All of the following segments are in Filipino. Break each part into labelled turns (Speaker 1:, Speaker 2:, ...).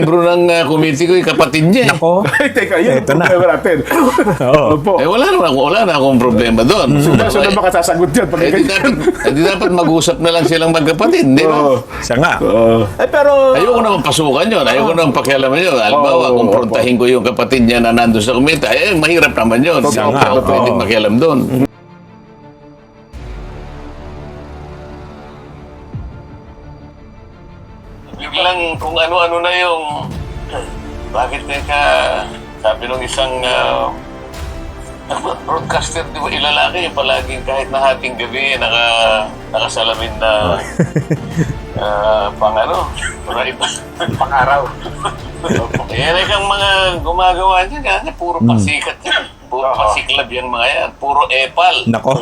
Speaker 1: Membro ng committee ko, yung kapatid niya.
Speaker 2: Nako.
Speaker 3: Ay, teka, yun ang
Speaker 2: Ito na.
Speaker 3: problema natin.
Speaker 2: Oo.
Speaker 3: Opo.
Speaker 1: Wala na akong problema doon.
Speaker 3: So na makasasagot yan pag ganyan.
Speaker 1: Di dapat mag-usap na lang silang magkapatid, di ba?
Speaker 3: Oo.
Speaker 2: Siya nga.
Speaker 3: Pero...
Speaker 1: Ayoko naman pasukan yun. Ayoko naman pakialaman yun. Halimbawa,
Speaker 3: Oo,
Speaker 1: kumprontahin ko yung kapatid niya na nandun sa komite, mahirap naman yun.
Speaker 3: Totoo,
Speaker 1: Hindi ako
Speaker 2: totoo.
Speaker 1: pwedeng makialam doon. Biglang kung ano-ano na yung... Bakit teka, sabi nung isang broadcaster, di ba ilalaki yung palaging kahit na hating gabi, nakasalamin na pang pang-araw. Yan ay kang mga gumagawa niya, kasi puro pasikat yan. Puro pasiklab yan mga yan. Puro epal.
Speaker 2: Nako.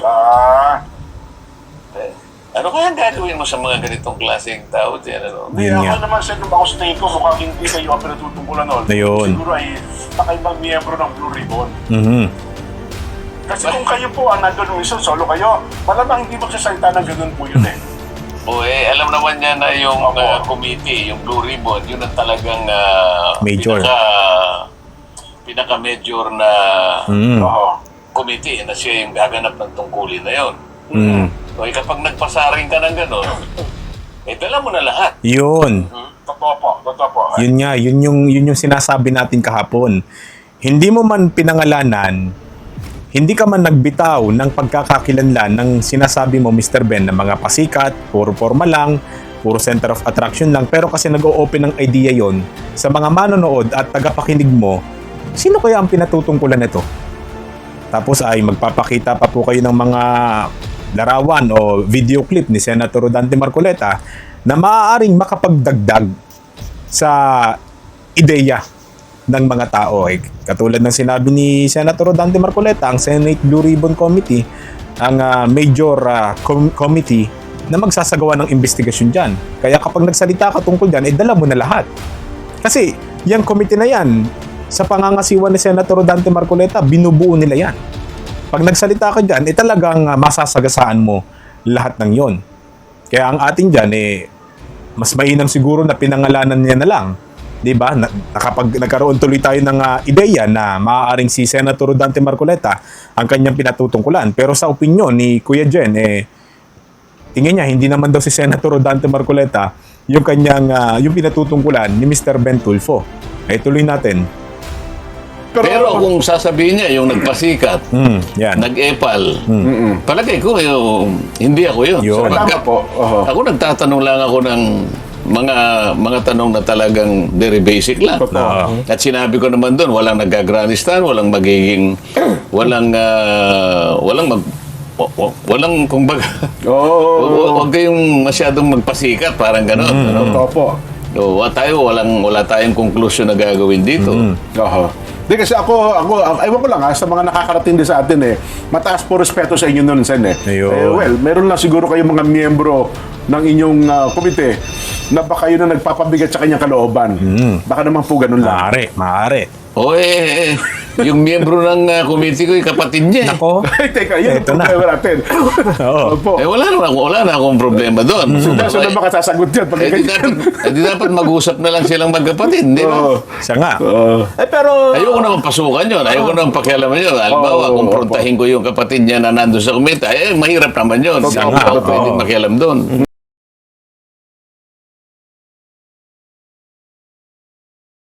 Speaker 1: Ano kaya gagawin mo sa mga ganitong klaseng tao dyan?
Speaker 3: Hindi,
Speaker 2: Yun
Speaker 3: ako
Speaker 2: nga.
Speaker 3: naman sa nung ako sa tingin ko, mukhang hindi kayo ang pinatutungkulan nun.
Speaker 2: Ayun.
Speaker 3: Siguro ay nakaibang miyembro ng Blue Ribbon.
Speaker 2: Mhm.
Speaker 3: Kasi kung kayo po ang nandun ng isang solo kayo, malamang hindi magsasalita ng ganun po yun eh.
Speaker 1: Alam naman niya na yung committee, yung Blue Ribbon, yun ang talagang
Speaker 2: Major.
Speaker 1: pinaka-major na
Speaker 3: Oo.
Speaker 1: committee na siya yung gaganap ng tungkulin na yun.
Speaker 2: Mm.
Speaker 1: So, kapag nagpasaring ka ng gano'n, dala mo na lahat.
Speaker 2: Yun.
Speaker 3: Totoo po, totoo po.
Speaker 2: Yun nga, yun yung sinasabi natin kahapon. Hindi mo man pinangalanan, hindi ka man nagbitaw ng pagkakakilanlan ng sinasabi mo, Mr. Ben, na mga pasikat, puro forma lang, puro center of attraction lang, pero kasi nag-o-open ng idea yon sa mga manonood at tagapakinig mo, sino kaya ang pinatutungkulan nito? Tapos ay magpapakita pa po kayo ng mga larawan o video clip ni Senator Rodante Marcoleta na maaaring makapagdagdag sa ideya ng mga tao. Katulad ng sinabi ni Senator Rodante Marcoleta, ang Senate Blue Ribbon Committee, ang major committee na magsasagawa ng investigasyon dyan. Kaya kapag nagsalita ka tungkol dyan, dala mo na lahat. Kasi yung committee na yan, sa pangangasiwa ni Senator Rodante Marcoleta, binubuo nila yan. Pag nagsalita ka dyan, talagang masasagasaan mo lahat ng yon. Kaya ang atin dyan, mas mainam siguro na pinangalanan niya na lang. Diba? Kapag nagkaroon tuloy tayo ng ideya na maaaring si Senator Rodante Marcoleta ang kanyang pinatutungkulan. Pero sa opinyon ni Kuya Jen, tingin niya, hindi naman daw si Senator Rodante Marcoleta yung kanyang yung pinatutungkulan ni Mr. Ben Tulfo. Tuloy natin.
Speaker 1: Pero kung sasabihin niya, yung nagpasikat,
Speaker 2: Yan.
Speaker 1: nag-epal, palagay ko, hindi ako yun.
Speaker 2: Yun.
Speaker 1: Sapagkat
Speaker 3: Tama po.
Speaker 1: ako nagtatanong lang ako ng mga tanong na talagang very basic lang.
Speaker 3: Totoo.
Speaker 1: At sinabi ko naman doon, walang nagagranistan, walang magiging, walang kumbaga, huwag kayong masyadong magpasikat, parang gano'n.
Speaker 3: Totoo po.
Speaker 1: Wala tayong conclusion na gagawin dito.
Speaker 3: Oo. Di kasi ako, ewan ko lang sa mga nakakarating din sa atin mataas po respeto sa inyo nun, Sen
Speaker 2: Ayun.
Speaker 3: well, meron lang siguro kayong mga miyembro ng inyong komite na baka yun ang nagpapabigat sa kanyang kalooban. Baka naman po ganun lang.
Speaker 2: Maaari.
Speaker 1: Yung miyembro ng committee ko, yung kapatid niya.
Speaker 2: Nako.
Speaker 3: Ay, teka, yun ang
Speaker 2: Ito na.
Speaker 3: problema natin.
Speaker 2: Oo.
Speaker 3: Opo.
Speaker 1: Wala na akong problema doon.
Speaker 3: So na makasasagot yan pag ganyan.
Speaker 1: Di dapat mag-usap na lang silang magkapatid, di ba?
Speaker 3: Oo.
Speaker 2: Siya nga.
Speaker 3: Pero...
Speaker 1: Ayoko naman pasukan yun. Ayoko naman pakialaman yun. Halimbawa, kumprontahin ko yung kapatid niya na nandun sa komite, mahirap naman yun. Hindi
Speaker 2: Siya
Speaker 1: ako
Speaker 2: nga.
Speaker 1: pwedeng makialam doon.